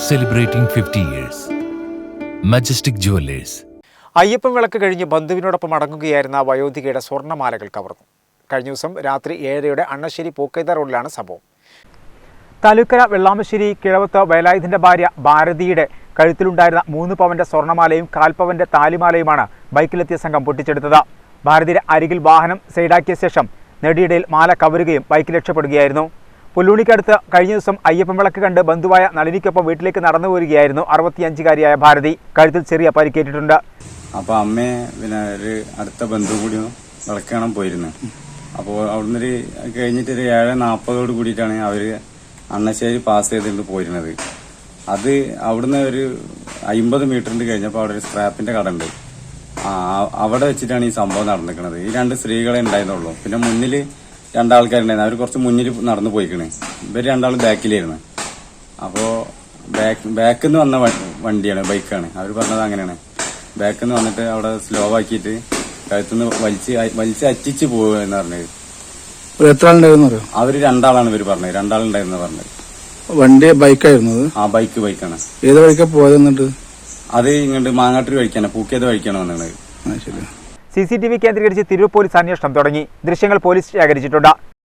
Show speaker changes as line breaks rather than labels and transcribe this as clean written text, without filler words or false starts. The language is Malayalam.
Celebrating 50 years. Majestic Jewelers.
Ayyappan വിളക്ക് കഴിഞ്ഞ് ബന്ധുവിനോടൊപ്പം മടങ്ങുകയായിരുന്ന വയോധികയുടെ സ്വർണ്ണമാലകൾ കവർന്നു. കഴിഞ്ഞ ദിവസം രാത്രി 7:30 അണ്ണശ്ശേരി പൂക്കൈത റോഡിലാണ് സംഭവം. താലൂക്കര വെള്ളാമശ്ശേരി കിഴവത്ത് വേലായുധന്റെ ഭാര്യ ഭാരതിയുടെ കഴുത്തിലുണ്ടായിരുന്ന 3 പവന്റെ സ്വർണ്ണമാലയും 1/4 പവന്റെ താലിമാലയുമാണ് ബൈക്കിലെത്തിയ സംഘം പൊട്ടിച്ചെടുത്തത്. ഭാരതിയുടെ അരികിൽ വാഹനം സൈഡാക്കിയ ശേഷം നെടിയിടയിൽ മാല കവരുകയും ബൈക്കിൽ രക്ഷപ്പെടുകയായിരുന്നു. പുല്ലൂണിക്കടുത്ത് കഴിഞ്ഞ ദിവസം അയ്യപ്പൻ വിളക്ക് കണ്ട് ബന്ധുവായ നളിനിക്കൊപ്പം വീട്ടിലേക്ക് നടന്നു പോരുകയായിരുന്നു 65-കാരിയായ ഭാരതി. കഴുത്തിൽ ചെറിയ പരിക്കേറ്റിട്ടുണ്ട്.
അപ്പോൾ അമ്മയെ പിന്നെ ഒരു അടുത്ത ബന്ധു കൂടി വിളക്ക് കാണാൻ പോയിരുന്നു. അപ്പോൾ അവിടുന്ന് കഴിഞ്ഞിട്ട് ഒരു 7:40 കൂടിയിട്ടാണ് അവർ അണ്ണശ്ശേരി പാസ് ചെയ്തിട്ട് പോയിരുന്നത്. അത് അവിടുന്ന് ഒരു 50 മീറ്ററിന്റെ കഴിഞ്ഞപ്പോൾ അവിടെ ഒരു സ്ക്രാപ്പിന്റെ കട ഉണ്ട്. അവിടെ വെച്ചിട്ടാണ് ഈ സംഭവം നടന്നിരിക്കുന്നത്. ഈ 2 സ്ത്രീകളെ ഉണ്ടായിരുന്നുള്ളൂ. പിന്നെ മുന്നിൽ 2 ആൾക്കാരുണ്ടായിരുന്നു. അവർ കുറച്ച് മുന്നിൽ നടന്നു പോയിക്കണേ. ഇവർ 2 ആളും ബാക്കിലായിരുന്നു. അപ്പോൾ ബാക്കിൽ നിന്ന് വന്ന വണ്ടിയാണ്, ബൈക്കാണ്. അവർ പറഞ്ഞത് അങ്ങനെയാണ്. ബാക്കിൽ നിന്ന് വന്നിട്ട് അവിടെ സ്ലോ ആക്കിയിട്ട് കഴുത്തുനിന്ന് വലിച്ച് അറ്റിച്ച് പോവുക എന്ന് പറഞ്ഞത്.
എത്ര ആളുണ്ടായിരുന്നു?
അവര് 2 ആളാണ് ഇവർ പറഞ്ഞത്. 2 ആളുണ്ടായിരുന്നു പറഞ്ഞത്.
വണ്ടി ബൈക്കായിരുന്നു?
ആ ബൈക്കാണ്.
ഏത് വഴിക്കാ പോയത്? എന്നിട്ട്
അത് ഇങ്ങോട്ട് മാങ്ങാട്ടൂർ വഴിക്കാണ്, പൂക്കേത് വഴിക്കാണ് വന്നത്.
CCTV കേന്ദ്രീകരിച്ച് തിരൂർ പോലീസ് അന്വേഷണം തുടങ്ങി. ദൃശ്യങ്ങൾ പോലീസ് ശേഖരിച്ചിട്ടുണ്ട്.